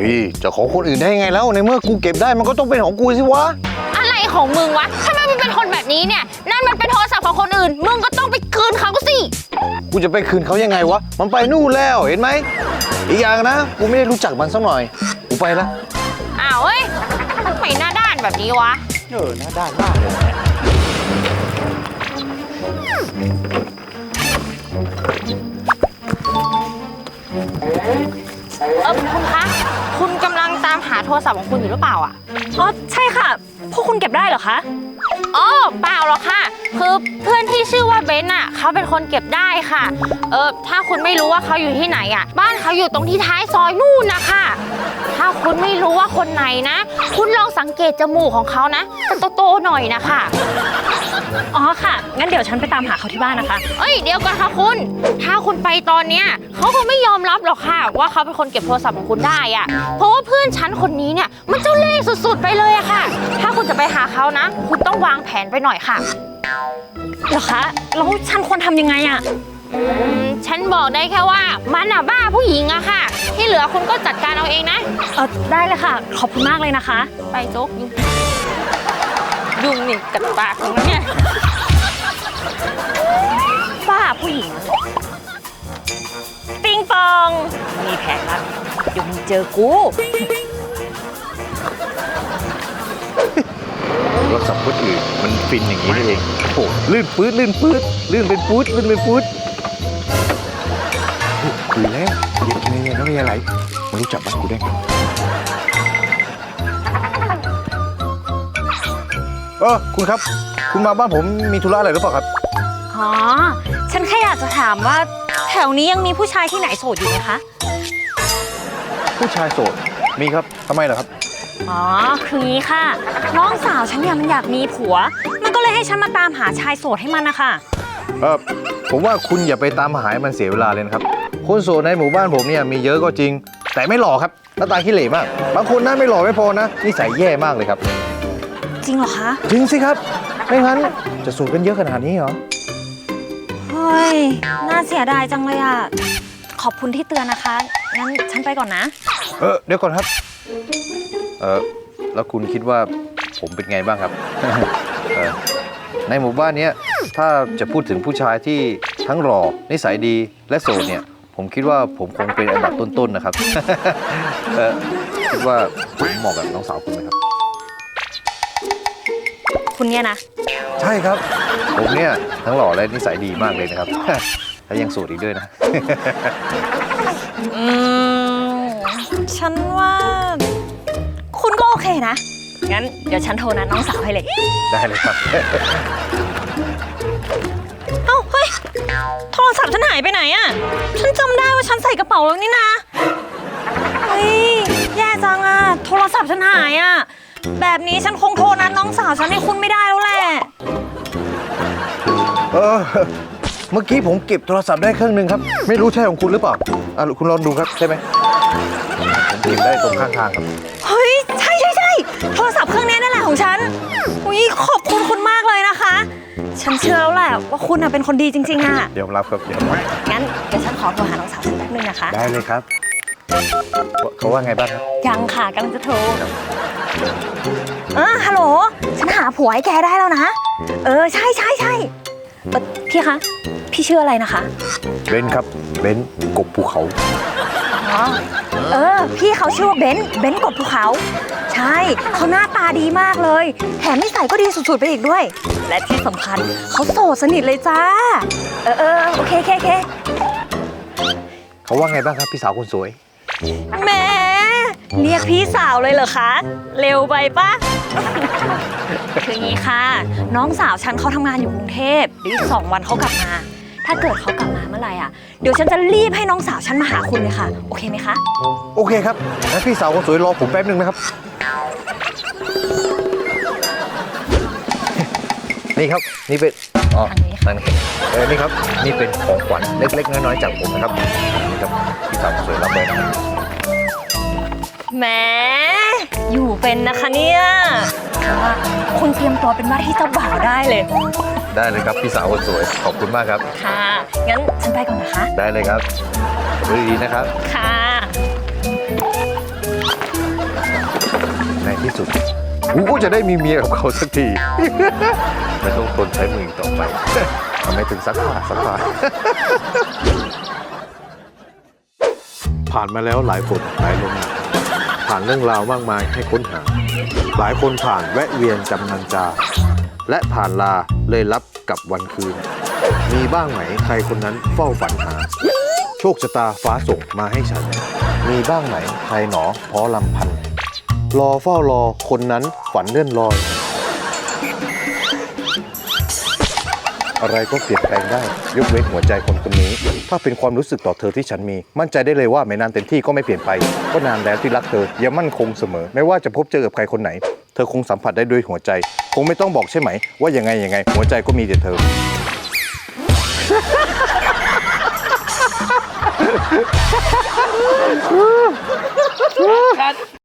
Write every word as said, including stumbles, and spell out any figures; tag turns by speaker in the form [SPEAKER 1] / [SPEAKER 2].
[SPEAKER 1] ฮ้ยจะของคนอื่นได้ไงแล้วในเมื่อกูเก็บได้มันก็ต้องเป็นของกูสิวะ
[SPEAKER 2] อะไรของมึงวะทำไมมึงเป็นคนแบบนี้เนี่ยนั่นมันเป็นโทรศัพท์ของคนอื่นมึงก็ต้องไปคืนเขาสิ
[SPEAKER 1] กูจะไปคืนเขายังไงวะมันไปนู่นแล้วเห็นไหมอีกอย่างนะกูไม่ได้รู้จักมันสักหน่อยกูไปละ
[SPEAKER 2] อ้าวเฮ้ยทำไมหน้าด้านแบบนี้วะ
[SPEAKER 1] เออหน้าด้านมากเลยนะ
[SPEAKER 2] เออคุณคะคุณกำลังตามหาโทรศัพท์ของคุณอยู่หรือเปล่าอ่ะ
[SPEAKER 3] อ๋อใช่ค่ะพวกคุณเก็บได้เหรอคะ
[SPEAKER 2] อ๋อเปล่าหรอกค่ะคือเพื่อนที่ชื่อว่าเบนน่ะเขาเป็นคนเก็บได้ค่ะเออถ้าคุณไม่รู้ว่าเขาอยู่ที่ไหนอ่ะบ้านเขาอยู่ตรงที่ท้ายซอยนู่นนะคะถ้าคุณไม่รู้ว่าคนไหนนะคุณลองสังเกตจมูกของเขานะโตๆหน่อยนะคะ
[SPEAKER 3] อ๋อค่ะงั้นเดี๋ยวฉันไปตามหาเขาที่บ้านนะคะ
[SPEAKER 2] เอ้ยเดี๋ยวก่อนค่ะคุณถ้าคุณไปตอนเนี้ยเขาคงไม่ยอมรับหรอกค่ะว่าเขาเป็นคนเก็บโทรศัพท์ของคุณได้อ่ะเพราะว่าเพื่อนฉันคนนี้เนี่ยมันเจ้าเล่ห์สุดๆไปเลยอะค่ะถ้าคุณจะไปหาเขานะคุณต้องวางแผนไปหน่อยค่ะ
[SPEAKER 3] เหรอคะแล้วฉันควรทำยังไงอะ
[SPEAKER 2] อืมฉันบอกได้แค่ว่ามันอะบ้าผู้หญิงอะค่ะที่เหลือคุณก็จัดการเอาเองนะ
[SPEAKER 3] เออได้เลยค่ะขอบคุณมากเลยนะคะ
[SPEAKER 2] ไปโจ๊กยุงยุงนี่กัดปากของมันเนี่ย
[SPEAKER 3] บ้าผู้หญิงปิงปองมีแผนละเดี๋ยวมึงเจอกู
[SPEAKER 1] โทรศัพท์คนอื่นมันฟินอย่างนี้นี่เองโอ้ลื่นปื๊ดลื่นปื๊ดลื่นเป็นปื๊ดลื่นเป็นปื๊ดคุยแล้วเย็นเงี้ยน้องมีอะไรมันรู้จักบ้านกูได้ไงเออคุณครับคุณมาบ้านผมมีธุระอะไรหรือเปล่าครับ
[SPEAKER 3] อ๋อฉันแค่อยากจะถามว่าแถวนี้ยังมีผู้ชายที่ไหนโสดอยู่ไหมคะ
[SPEAKER 1] ผู้ชายโสดมีครับทำไมล่ะครับ
[SPEAKER 3] อ๋อคืองี้ค่ะน้องสาวฉันเนี่ยมันอยากมีผัวมันก็เลยให้ฉันมาตามหาชายโสดให้มันนะคะ
[SPEAKER 1] เออผมว่าคุณอย่าไปตามหาให้มันเสียเวลาเลยนะครับคนโสดในหมู่บ้านผมเนี่ยมีเยอะก็จริงแต่ไม่หล่อครับหน้าตาขี้เหร่มากบางคนน่าไม่หล่อไม่พอนะนิสัยแย่มากเลยครับ
[SPEAKER 3] จริงเหรอคะ
[SPEAKER 1] จริงสิครับไม่งั้นจะโสดกันเยอะขนาดนี้เหรอ
[SPEAKER 3] เฮ้ยน่าเสียดายจังเลยอ่ะขอบคุณที่เตือนนะคะงั้นฉันไปก่อนนะ
[SPEAKER 1] เออเดี๋ยวก่อนครับเออแล้วคุณคิดว่าผมเป็นไงบ้างครับเออในหมู่บ้านนี้ถ้าจะพูดถึงผู้ชายที่ทั้งหล่อนิสัยดีและโสดเนี่ยผมคิดว่าผมคงเป็นอันดับต้นๆนะครับเออคิดว่าผมเหมาะกับน้องสาวคุณไหมครับ
[SPEAKER 3] คุณเนี่ยนะ
[SPEAKER 1] ใช่ครับผมเนี่ยทั้งหล่อและนิสัยดีมากเลยนะครับและยังโสดอีกด้วยนะ
[SPEAKER 3] อืมฉันว่าคุณก็โอเคนะงั้นเดี๋ยวฉันโทรนัดน้องสาวให้เลย
[SPEAKER 1] ได้เลยครับ
[SPEAKER 3] เอ้าเฮ้ยโทรศัพท์ฉันหายไปไหนอ่ะฉันจำได้ว่าฉันใส่กระเป๋าแล้วนี่นะเฮ้ยแย่จังอ่ะโทรศัพท์ฉันหายอ่ะแบบนี้ฉันคงโทรนัดน้องสาวฉันให้คุณไม่ได้แล้วแหละ
[SPEAKER 1] เออเมื่อกี้ผมเก็บโทรศัพท์ได้เครื่องนึงครับไม่รู้ใช่ของคุณหรือเปล่าอ่ะคุณลองดูครับใช่ไหมผมเก็บได้ตรงข้างทางครับ
[SPEAKER 3] เฮ้ยใช่ใช่ใช่โทรศัพท์เครื่องนี้นั่นแหละของฉันอุ้ยขอบคุณคุณมากเลยนะคะฉันเชื่อแล้วแหละว่าคุณเป็นคนดีจริงๆอ่ะ
[SPEAKER 1] เดี๋ยวรับครับเดี๋ยว
[SPEAKER 3] งั้นเดี๋ยวฉันขอโทรหาน้องสาวฉันแป๊บนึงนะคะ
[SPEAKER 1] ได้เลยครับเขาว่าไงบ้างครับ
[SPEAKER 3] ยังค่ะกำลังจะโทรเออฮัลโหลฉันหาผัวให้แกได้แล้วนะเออใช่ใช่ใช่พี่คะพี่ชื่ออะไรนะคะ
[SPEAKER 1] เบนครับเบนกบภูเขา
[SPEAKER 3] อ๋อเออพี่เขาชื่อว่าเบนเบนกบภูเขาใช่เขาหน้าตาดีมากเลยแถมนิสัยก็ดีสุดๆไปอีกด้วยและที่สำคัญเขาโสดสนิทเลยจ้าเออเออโอเคโอเคโอเค
[SPEAKER 1] เขาว่าไงบ้างครับพี่สาวคนสวย
[SPEAKER 3] แหมเรียกพี่สาวเลยเหรอคะเร็วไปปะคืองี้ค่ะน้องสาวฉันเขาทำงานอยู่กรุงเทพเดี๋ยวอีกสองวันเขากลับมาถ้าเกิดเขากลับมาเมื่อไหร่อ่ะเดี๋ยวฉันจะรีบให้น้องสาวฉันมาหาคุณเลยค่ะโอเคไหมคะ
[SPEAKER 1] โอเคครับงั้นพี่สาวคนสวยรอผมแป๊บนึงนะครับนี่ครับนี่เป็นอ๋อทางนี้เออนี่ครับนี่เป็นของขวัญเล็กๆน้อยๆจากผมนะครับนี่ครับพี่สาวคนสวยรับไปนะครับ
[SPEAKER 3] แหมอยู่เป็นนะคะเนี่ยว่าคุณเตรียมตัวเป็นว่าที่เจ้าบ่าวได้เลย
[SPEAKER 1] ได้เลยครับพี่สาวคนสวยขอบคุณมากครับ
[SPEAKER 3] ค่ะงั้นฉันไปก่อนนะคะ
[SPEAKER 1] ได้เลยครับดูดีๆนะครับ
[SPEAKER 3] ค่ะ
[SPEAKER 1] ที่สุดกูก็จะได้มีเมียกับเขาสักที ไม่ต้องทนใช้มืออีกต่อไป ทำไมถึงซักผ้าซักผ้า
[SPEAKER 4] ผ่านมาแล้วหลายฝนหลายลมหนาวผ่านเรื่องราวมากมายให้ค้นหา หลายคนผ่านแวะเวียนจำนันจา และผ่านลาเลยรับกับวันคืน มีบ้างไหมใครคนนั้นเฝ้าฝันหา โชคชะตาฟ้าส่งมาให้ฉัน
[SPEAKER 1] มีบ้างไหมใครหนอพอลำพันธ์รอเฝ้ารอคนนั้นฝันเลื่อนลอย อะไรก็เปลี่ยนแปลงได้ ยกเว้นหัวใจคนคนนี้ ถ้าเป็นความรู้สึกต่อเธอที่ฉันมี มั่นใจได้เลยว่าไม่นานเต็มที่ก็ไม่เปลี่ยนไป ก็นานแล้วที่รักเธอยังมั่นคงเสมอ ไม่ว่าจะพบเจอกับใครคนไหน เธอคงสัมผัสได้ด้วยหัวใจ คงไม่ต้องบอกใช่ไหม ว่ายังไงยังไง หัวใจก็มีแต่เธอ